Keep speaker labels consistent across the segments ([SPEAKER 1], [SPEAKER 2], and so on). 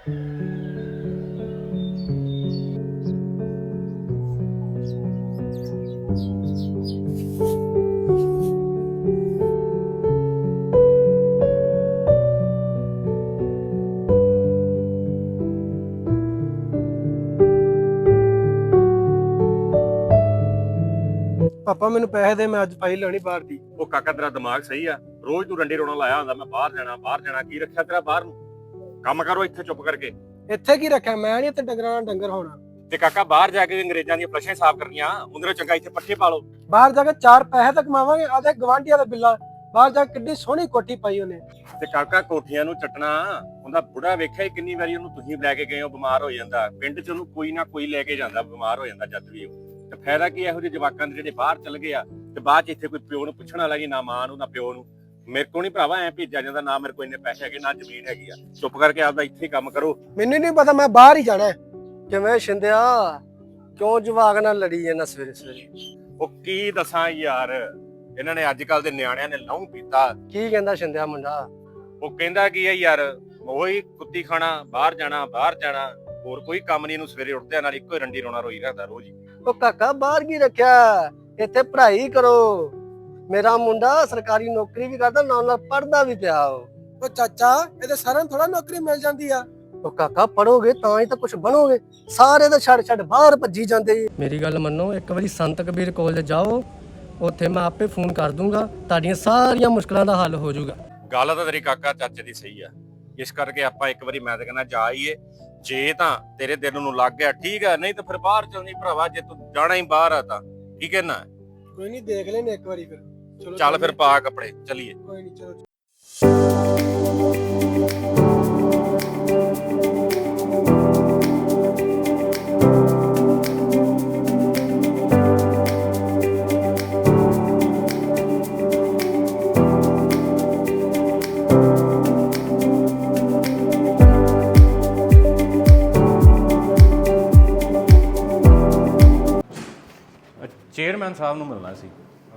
[SPEAKER 1] ਪਾਪਾ ਮੈਨੂੰ ਪੈਸੇ ਦੇ, ਮੈਂ ਅੱਜ ਫਾਈਲ ਲੈਣੀ ਬਾਹਰ ਦੀ।
[SPEAKER 2] ਉਹ ਕਾਕਾ ਤੇਰਾ ਦਿਮਾਗ ਸਹੀ ਆ? ਰੋਜ਼ ਤੂੰ ਰੰਡੀ ਰੋਣਾ ਲਾਇਆ ਹੁੰਦਾ, ਮੈਂ ਬਾਹਰ ਜਾਣਾ। ਕੀ ਰੱਖਿਆ ਤੇਰਾ ਬਾਹਰ ਨੂੰ? ਕੰਮ ਕਰੋ ਇੱਥੇ ਚੁੱਪ ਕਰਕੇ।
[SPEAKER 1] ਇੱਥੇ ਕੀ ਰੱਖਿਆ? ਮੈਂ ਨਹੀਂ ਇੱਥੇ ਡੰਗਰਾਂ ਨਾਲ ਡੰਗਰ ਹੋਣਾ।
[SPEAKER 2] ਤੇ ਕਾਕਾ ਬਾਹਰ ਜਾ ਕੇ ਅੰਗਰੇਜ਼ਾਂ ਦੀਆਂ ਫਲਸ਼ਾਂ ਸਾਫ਼ ਕਰਨੀਆਂ, ਉਹਦੇ ਚੰਗਾ ਇੱਥੇ ਪੱਠੇ ਪਾ ਲਓ।
[SPEAKER 1] ਬਾਹਰ ਜਾ ਕੇ 4 ਪੈਸੇ ਤਾਂ ਕਮਾਵਾਂਗੇ। ਆਦੇ ਗਵਾਂਢੀਆਂ ਦੇ ਬਿੱਲਾ ਬਾਹਰ ਜਾ ਕੇ ਕਿੱਡੀ ਸੋਹਣੀ ਕੋਠੀ ਪਾਈ ਉਹਨੇ।
[SPEAKER 2] ਤੇ ਕਾਕਾ ਕੋਠੀਆਂ ਨੂੰ ਚੱਟਣਾ, ਉਹਦਾ ਬੁੜਾ ਵੇਖਿਆ ਕਿੰਨੀ ਵਾਰੀ ਉਹਨੂੰ ਤੁਸੀਂ ਲੈ ਕੇ ਗਏ ਹੋ, ਬਿਮਾਰ ਹੋ ਜਾਂਦਾ। ਪਿੰਡ 'ਚ ਉਹਨੂੰ ਕੋਈ ਨਾ ਕੋਈ ਲੈ ਕੇ ਜਾਂਦਾ, ਬਿਮਾਰ ਹੋ ਜਾਂਦਾ ਜਦ ਵੀ ਉਹ। ਤੇ ਫਾਇਦਾ ਕੀ ਇਹੋ ਜਿਹੇ ਜਵਾਕਾਂ ਦੇ ਜਿਹੜੇ ਬਾਹਰ ਚਲ ਗਏ ਆ ਤੇ ਬਾਅਦ 'ਚ ਇੱਥੇ ਕੋਈ ਪਿਓ ਨੂੰ ਪੁੱਛਣ ਵਾਲਾ ਜੀ, ਨਾ ਮਾਂ ਨੂੰ ਨਾ ਪਿਓ ਨੂੰ। ਮੇਰੇ ਕੋਲ ਨਹੀਂ ਭਰਾਵਾ ਐ ਭੇਜਿਆ ਜਾਂਦਾ, ਨਾ ਮੇਰੇ ਕੋਲ ਇੰਨੇ ਪੈਸੇ ਹੈਗੇ, ਨਾ ਜ਼ਮੀਨ ਹੈਗੀ ਆ। ਚੁੱਪ ਕਰਕੇ ਆਪਦਾ ਇੱਥੇ ਹੀ ਕੰਮ ਕਰੋ।
[SPEAKER 1] ਮੈਨੂੰ ਨਹੀਂ ਪਤਾ, ਮੈਂ ਬਾਹਰ ਹੀ ਜਾਣਾ। ਕਿਵੇਂ ਸ਼ਿੰਦਿਆ, ਕਿਉਂ ਜਵਾਕ ਨਾਲ ਲੜੀ ਜਾਂਦਾ ਸਵੇਰੇ ਸਵੇਰੇ?
[SPEAKER 2] ਉਹ ਕੀ ਦੱਸਾਂ ਯਾਰ, ਇਹਨਾਂ ਨੇ ਅੱਜ ਕੱਲ ਦੇ ਨਿਆਣਿਆਂ ਨੇ ਲਹੂ ਪੀਤਾ।
[SPEAKER 1] ਕੀ ਕਹਿੰਦਾ ਸ਼ਿੰਦਿਆ ਮੁੰਡਾ?
[SPEAKER 2] ਉਹ ਕਹਿੰਦਾ ਕੀ ਹੈ ਯਾਰ, ਉਹੀ ਕੁੱਤੀ ਖਾਣਾ, ਬਾਹਰ ਜਾਣਾ। ਹੋਰ ਕੋਈ ਕੰਮ ਨਹੀਂ ਇਹਨੂੰ, ਸਵੇਰੇ ਉੱਠਦਿਆਂ ਨਾਲ ਇੱਕੋ ਹੀ ਰੰਡੀ ਰੋਣਾ ਰੋਈ ਰੱਖਦਾ ਰੋਜ਼ ਹੀ।
[SPEAKER 1] ਉਹ ਕਾਕਾ ਬਾਹਰ ਕੀ ਰੱਖਿਆ? ਇੱਥੇ ਪੜ੍ਹਾਈ ਕਰੋ। ਮੇਰਾ ਮੁੰਡਾ ਸਰਕਾਰੀ ਨੌਕਰੀ ਵੀ ਕਰਦਾ, ਨਾਲ ਪੜ੍ਹਦਾ ਵੀ ਪਿਆ। ਉਹ ਚਾਚਾ, ਇਹਦੇ ਸਾਰਿਆਂ ਨੂੰ ਥੋੜਾ ਨੌਕਰੀ ਮਿਲ ਜਾਂਦੀ ਆ। ਉਹ ਕਾਕਾ ਪੜੋਗੇ ਤਾਂ ਹੀ ਤਾਂ ਕੁਝ ਬਣੋਗੇ। ਸਾਰੇ ਤਾਂ ਛੱਡ ਬਾਹਰ ਭੱਜੀ ਜਾਂਦੇ। ਮੇਰੀ ਗੱਲ ਮੰਨੋ, ਇੱਕ ਵਾਰੀ ਸੰਤ ਕਬੀਰ ਕਾਲਜ ਜਾਓ, ਉੱਥੇ ਮੈਂ ਆਪੇ ਫੋਨ ਕਰ ਦੂੰਗਾ, ਤੁਹਾਡੀਆਂ ਸਾਰੀਆਂ ਮੁਸ਼ਕਲਾਂ ਦਾ ਹੱਲ ਹੋ ਜਾਊਗਾ।
[SPEAKER 2] ਗੱਲ ਤਾਂ ਤੇਰੀ ਕਾਕਾ ਚਾਚੇ ਦੀ ਸਹੀ ਆ, ਇਸ ਕਰਕੇ ਆਪਾਂ ਇੱਕ ਵਾਰੀ, ਮੈਂ ਤਾਂ ਕਹਿੰਦਾ ਜਾ ਆਈਏ। ਜੇ ਤਾਂ ਤੇਰੇ ਦਿਲ ਨੂੰ ਲੱਗ ਗਿਆ ਠੀਕ ਆ, ਨਹੀਂ ਤਾਂ ਫਿਰ ਬਾਹਰ ਚੱਲਣੀ ਭਰਾਵਾ। ਜੇ ਤੂੰ ਜਾਣਾ ਹੀ ਬਾਹਰ ਆ ਤਾਂ ਕੀ ਕਹਿਣਾ?
[SPEAKER 1] ਕੋਈ ਨਹੀਂ, ਦੇਖ ਲੈਨੇ ਇੱਕ ਵਾਰੀ ਫਿਰ। ਚਲੋ
[SPEAKER 2] ਚੱਲ ਫਿਰ ਪਾ ਕੱਪੜੇ, ਚੱਲੀਏ।
[SPEAKER 1] ਕੋਈ ਨਹੀਂ, ਚਲੋ।
[SPEAKER 3] ਚੇਅਰਮੈਨ ਸਾਹਿਬ ਨੂੰ ਮਿਲਣਾ ਸੀ।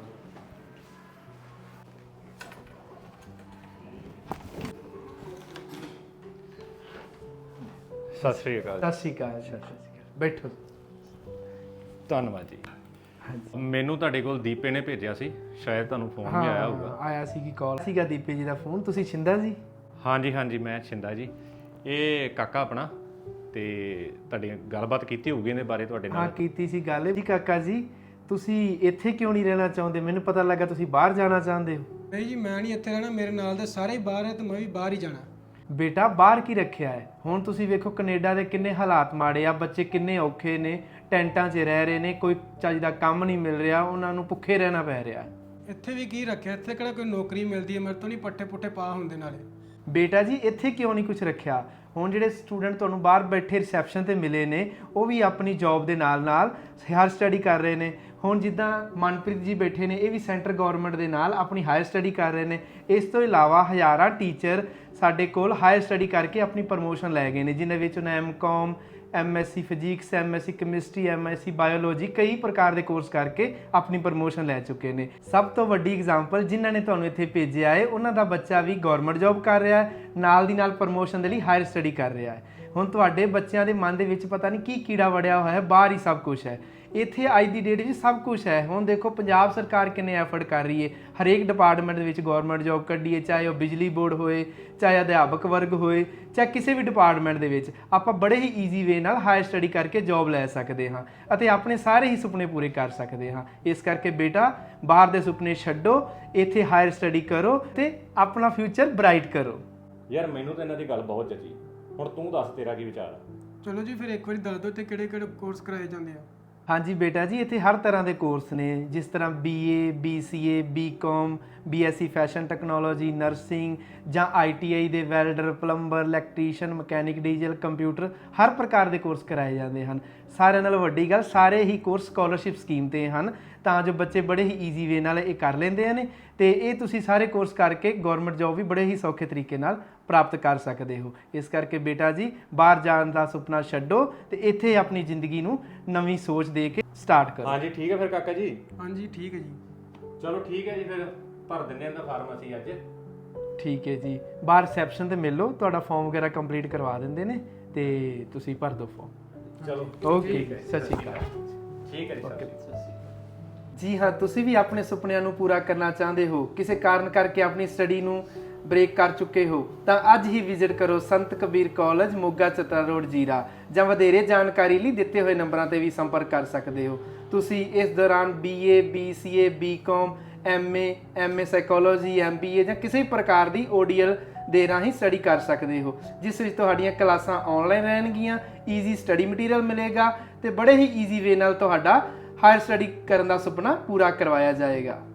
[SPEAKER 3] ਸਤਿ ਸ੍ਰੀ ਅਕਾਲ।
[SPEAKER 4] ਸਤਿ ਸ਼੍ਰੀ ਅਕਾਲ। ਬੈਠੋ।
[SPEAKER 3] ਧੰਨਵਾਦ ਜੀ। ਮੈਨੂੰ ਤੁਹਾਡੇ ਕੋਲ ਦੀਪੇ ਨੇ ਭੇਜਿਆ ਸੀ, ਸ਼ਾਇਦ ਤੁਹਾਨੂੰ ਫੋਨ ਵੀ ਆਇਆ ਹੋਊਗਾ।
[SPEAKER 4] ਆਇਆ ਸੀ ਕਿ ਕਾਲ ਸੀਗਾ ਦੀਪੇ ਜੀ ਦਾ ਫੋਨ। ਤੁਸੀਂ ਛਿੰਦਾ ਜੀ?
[SPEAKER 3] ਹਾਂਜੀ, ਮੈਂ ਛਿੰਦਾ ਜੀ। ਇਹ ਕਾਕਾ ਆਪਣਾ, ਤੇ ਤੁਹਾਡੀ ਗੱਲਬਾਤ ਕੀਤੀ ਹੋਊਗੀ ਇਹਦੇ ਬਾਰੇ ਤੁਹਾਡੇ ਨਾਲ?
[SPEAKER 4] ਹਾਂ, ਕੀਤੀ ਸੀ ਗੱਲ ਜੀ। ਕਾਕਾ ਜੀ, ਤੁਸੀਂ ਇੱਥੇ ਕਿਉਂ ਨਹੀਂ ਰਹਿਣਾ ਚਾਹੁੰਦੇ? ਮੈਨੂੰ ਪਤਾ ਲੱਗਾ ਤੁਸੀਂ ਬਾਹਰ ਜਾਣਾ ਚਾਹੁੰਦੇ ਹੋ।
[SPEAKER 1] ਨਹੀਂ ਜੀ, ਮੈਂ ਨਹੀਂ ਇੱਥੇ ਰਹਿਣਾ। ਮੇਰੇ ਨਾਲ ਦੇ ਸਾਰੇ ਹੀ ਬਾਹਰ ਹੈ ਤੇ ਮੈਂ ਵੀ ਬਾਹਰ ਹੀ ਜਾਣਾ।
[SPEAKER 4] ਬੇਟਾ, ਬਾਹਰ ਕੀ ਰੱਖਿਆ ਹੈ? ਹੁਣ ਤੁਸੀਂ ਵੇਖੋ ਕੈਨੇਡਾ ਦੇ ਕਿੰਨੇ ਹਾਲਾਤ ਮਾੜੇ ਆ, ਬੱਚੇ ਕਿੰਨੇ ਔਖੇ ਨੇ, ਟੈਂਟਾਂ 'ਚ ਰਹਿ ਰਹੇ ਨੇ, ਕੋਈ ਚੱਜ ਦਾ ਕੰਮ ਨਹੀਂ ਮਿਲ ਰਿਹਾ, ਉਹਨਾਂ ਨੂੰ ਭੁੱਖੇ ਰਹਿਣਾ ਪੈ ਰਿਹਾ।
[SPEAKER 1] ਇੱਥੇ ਵੀ ਕੀ ਰੱਖਿਆ? ਇੱਥੇ ਕਿਹੜਾ ਕੋਈ ਨੌਕਰੀ ਮਿਲਦੀ ਹੈ? ਮੇਰੇ ਤੋਂ ਨਹੀਂ ਪੱਠੇ ਪੁੱਠੇ ਪਾ ਹੁੰਦੇ ਨਾਲੇ।
[SPEAKER 4] ਬੇਟਾ ਜੀ, ਇੱਥੇ ਕਿਉਂ ਨਹੀਂ ਕੁਝ ਰੱਖਿਆ? ਹੁਣ ਜਿਹੜੇ ਸਟੂਡੈਂਟ ਤੁਹਾਨੂੰ ਬਾਹਰ ਬੈਠੇ ਰਿਸੈਪਸ਼ਨ ਤੇ ਮਿਲੇ ਨੇ, ਉਹ ਵੀ ਆਪਣੀ ਜੌਬ ਦੇ ਨਾਲ ਹਾਇਰ ਸਟੱਡੀ ਕਰ ਰਹੇ ਨੇ। ਹੁਣ ਜਿੱਦਾਂ ਮਨਪ੍ਰੀਤ ਜੀ ਬੈਠੇ ਨੇ, ਇਹ ਵੀ ਸੈਂਟਰ ਗਵਰਨਮੈਂਟ ਦੇ ਨਾਲ ਆਪਣੀ ਹਾਇਰ ਸਟੱਡੀ ਕਰ ਰਹੇ ਨੇ। ਇਸ ਤੋਂ ਇਲਾਵਾ ਹਜ਼ਾਰਾਂ ਟੀਚਰ ਸਾਡੇ ਕੋਲ ਹਾਇਰ ਸਟੱਡੀ ਕਰਕੇ ਆਪਣੀ ਪ੍ਰਮੋਸ਼ਨ ਲੈ ਗਏ ਨੇ, ਜਿਨ੍ਹਾਂ ਵਿੱਚ ਉਹਨਾਂ MCOM, MSc physics, MSc chemistry, MSc biology, ਕਈ ਪ੍ਰਕਾਰ ਦੇ ਕੋਰਸ ਕਰਕੇ ਆਪਣੀ ਪ੍ਰਮੋਸ਼ਨ ਲੈ ਚੁੱਕੇ ਨੇ। ਸਭ ਤੋਂ ਵੱਡੀ ਐਗਜ਼ਾਮਪਲ, ਜਿਨ੍ਹਾਂ ਨੇ ਤੁਹਾਨੂੰ ਇੱਥੇ ਭੇਜਿਆ ਹੈ, ਉਹਨਾਂ ਦਾ ਬੱਚਾ ਵੀ ਗਵਰਨਮੈਂਟ ਜੌਬ ਕਰ ਰਿਹਾ ਹੈ, ਨਾਲ ਦੀ ਨਾਲ ਪ੍ਰਮੋਸ਼ਨ ਦੇ ਲਈ ਹਾਇਰ ਸਟੱਡੀ ਕਰ ਰਿਹਾ ਹੈ। ਹੁਣ ਤੁਹਾਡੇ ਬੱਚਿਆਂ ਦੇ ਮਨ ਦੇ ਵਿੱਚ ਪਤਾ ਨਹੀਂ ਕੀ ਕੀੜਾ ਵੜਿਆ ਹੋਇਆ ਹੈ, ਬਾਹਰ ਹੀ ਸਭ ਕੁਝ ਹੈ। ਇੱਥੇ ਅੱਜ ਦੀ ਡੇਟ ਵਿੱਚ ਸਭ ਕੁਝ ਹੈ। ਹੁਣ ਦੇਖੋ ਪੰਜਾਬ ਸਰਕਾਰ ਕਿੰਨੇ ਐਫਰਟ ਕਰ ਰਹੀ ਹੈ, ਹਰੇਕ ਡਿਪਾਰਟਮੈਂਟ ਦੇ ਵਿੱਚ ਗਵਰਨਮੈਂਟ ਜੌਬ ਕੱਢੀ ਹੈ, ਚਾਹੇ ਉਹ ਬਿਜਲੀ ਬੋਰਡ ਹੋਏ, ਚਾਹੇ ਅਧਿਆਪਕ ਵਰਗ ਹੋਏ, ਚਾਹੇ ਕਿਸੇ ਵੀ ਡਿਪਾਰਟਮੈਂਟ ਦੇ ਵਿੱਚ ਆਪਾਂ ਬੜੇ ਹੀ ਈਜ਼ੀ ਵੇ ਨਾਲ ਹਾਇਰ ਸਟੱਡੀ ਕਰਕੇ ਜੌਬ ਲੈ ਸਕਦੇ ਹਾਂ ਅਤੇ ਆਪਣੇ ਸਾਰੇ ਹੀ ਸੁਪਨੇ ਪੂਰੇ ਕਰ ਸਕਦੇ ਹਾਂ। ਇਸ ਕਰਕੇ ਬੇਟਾ, ਬਾਹਰ ਦੇ ਸੁਪਨੇ ਛੱਡੋ, ਇੱਥੇ ਹਾਇਰ ਸਟੱਡੀ ਕਰੋ ਤੇ ਆਪਣਾ ਫਿਊਚਰ ਬ੍ਰਾਈਟ ਕਰੋ।
[SPEAKER 3] ਯਾਰ ਮੈਨੂੰ ਤਾਂ ਇਹਨਾਂ ਦੀ ਗੱਲ ਬਹੁਤ ਜੱਜੀ। ਹੁਣ ਤੂੰ ਦੱਸ, ਤੇਰਾ ਕੀ ਵਿਚਾਰ ਆ?
[SPEAKER 1] ਚਲੋ ਜੀ, ਫਿਰ ਇੱਕ ਵਾਰੀ ਦੱਸ ਦਿਓ ਤੇ ਕਿਹੜੇ ਕੋਰਸ ਕਰਾਏ ਜਾਂਦੇ ਆ?
[SPEAKER 4] ਹਾਂਜੀ ਬੇਟਾ ਜੀ, ਇੱਥੇ ਹਰ ਤਰ੍ਹਾਂ ਦੇ ਕੋਰਸ ਨੇ, ਜਿਸ ਤਰ੍ਹਾਂ BA, BCA, BCom, BSc fashion technology, nursing ਜਾਂ ITI ਦੇ welder, plumber, electrician, mechanic, diesel, computer, ਹਰ ਪ੍ਰਕਾਰ ਦੇ ਕੋਰਸ ਕਰਾਏ ਜਾਂਦੇ ਹਨ। ਸਾਰਿਆਂ ਨਾਲ ਵੱਡੀ ਗੱਲ, ਸਾਰੇ ਹੀ ਕੋਰਸ ਸਕਾਲਰਸ਼ਿਪ ਸਕੀਮ ਤੇ ਹਨ, ਤਾਂ ਜੋ ਬੱਚੇ ਬੜੇ ਹੀ ਈਜ਼ੀ ਵੇ ਨਾਲ ਇਹ ਕਰ ਲੈਂਦੇ ਨੇ ਤੇ ਇਹ ਤੁਸੀਂ ਸਾਰੇ ਕੋਰਸ ਕਰਕੇ ਗਵਰਨਮੈਂਟ ਜੌਬ ਵੀ ਬੜੇ ਹੀ ਸੌਖੇ ਤਰੀਕੇ ਨਾਲ ਪ੍ਰਾਪਤ ਕਰ ਸਕਦੇ ਹੋ। ਇਸ ਕਰਕੇ ਬੇਟਾ ਜੀ, ਬਾਹਰ ਜਾਣ ਦਾ ਸੁਪਨਾ ਛੱਡੋ ਤੇ ਇੱਥੇ ਆਪਣੀ ਜ਼ਿੰਦਗੀ ਨੂੰ ਨਵੀਂ ਸੋਚ ਦੇ ਕੇ ਸਟਾਰਟ ਕਰੋ।
[SPEAKER 3] ਹਾਂਜੀ ਠੀਕ ਹੈ ਫਿਰ ਕਾਕਾ ਜੀ।
[SPEAKER 1] ਹਾਂਜੀ ਠੀਕ ਹੈ ਜੀ।
[SPEAKER 3] ਚਲੋ ਠੀਕ ਹੈ ਜੀ, ਫਿਰ ਭਰ ਦਿੰਦੇ ਹਾਂ ਦਾ ਫਾਰਮ ਅਸੀਂ ਅੱਜ।
[SPEAKER 4] ਠੀਕ ਹੈ ਜੀ, ਬਾਹਰ ਰਿਸੈਪਸ਼ਨ ਤੇ ਮਿਲ ਲਓ, ਤੁਹਾਡਾ ਫਾਰਮ ਵਗੈਰਾ ਕੰਪਲੀਟ ਕਰਵਾ ਦਿੰਦੇ ਨੇ ਤੇ ਤੁਸੀਂ ਭਰ ਦਿਓ ਫਾਰਮ।
[SPEAKER 3] ਚਲੋ
[SPEAKER 4] ਓਕੇ, ਸਤਿ ਸ਼੍ਰੀ ਅਕਾਲ।
[SPEAKER 3] ਠੀਕ ਹੈ ਜੀ ਸਰ।
[SPEAKER 4] ਜੀ ਹਾਂ, ਤੁਸੀਂ ਵੀ ਆਪਣੇ ਸੁਪਨਿਆਂ ਨੂੰ ਪੂਰਾ ਕਰਨਾ ਚਾਹੁੰਦੇ ਹੋ, ਕਿਸੇ ਕਾਰਨ ਕਰਕੇ ਆਪਣੀ ਸਟੱਡੀ ਨੂੰ ਬ੍ਰੇਕ ਕਰ ਚੁੱਕੇ ਹੋ, ਤਾਂ ਅੱਜ ਹੀ ਵਿਜ਼ਿਟ ਕਰੋ ਸੰਤ ਕਬੀਰ ਕਾਲਜ, ਮੋਗਾ ਚਤਰਾ ਰੋਡ, ਜੀਰਾ। ਜਾਂ ਵਧੇਰੇ ਜਾਣਕਾਰੀ ਲਈ ਦਿੱਤੇ ਹੋਏ ਨੰਬਰਾਂ ਤੇ ਵੀ ਸੰਪਰਕ ਕਰ ਸਕਦੇ ਹੋ। ਤੁਸੀਂ ਇਸ ਦੌਰਾਨ BA, BCA, BCom, MA psychology, MBA ਜਾਂ ਕਿਸੇ ਵੀ ਪ੍ਰਕਾਰ ਦੀ ODL ਦੇ ਰਾਹੀਂ ਸਟੱਡੀ ਕਰ ਸਕਦੇ ਹੋ, ਜਿਸ ਵਿੱਚ ਤੁਹਾਡੀਆਂ ਕਲਾਸਾਂ ਆਨਲਾਈਨ ਰਹਿਣਗੀਆਂ, ਈਜ਼ੀ ਸਟੱਡੀ ਮਟੀਰੀਅਲ ਮਿਲੇਗਾ ਤੇ ਬੜੇ ਹੀ ਈਜ਼ੀ ਵੇ ਨਾਲ ਤੁਹਾਡਾ ਹਾਇਰ ਸਟੱਡੀ ਕਰਨ ਦਾ ਸੁਪਨਾ ਪੂਰਾ ਕਰਵਾਇਆ ਜਾਏਗਾ।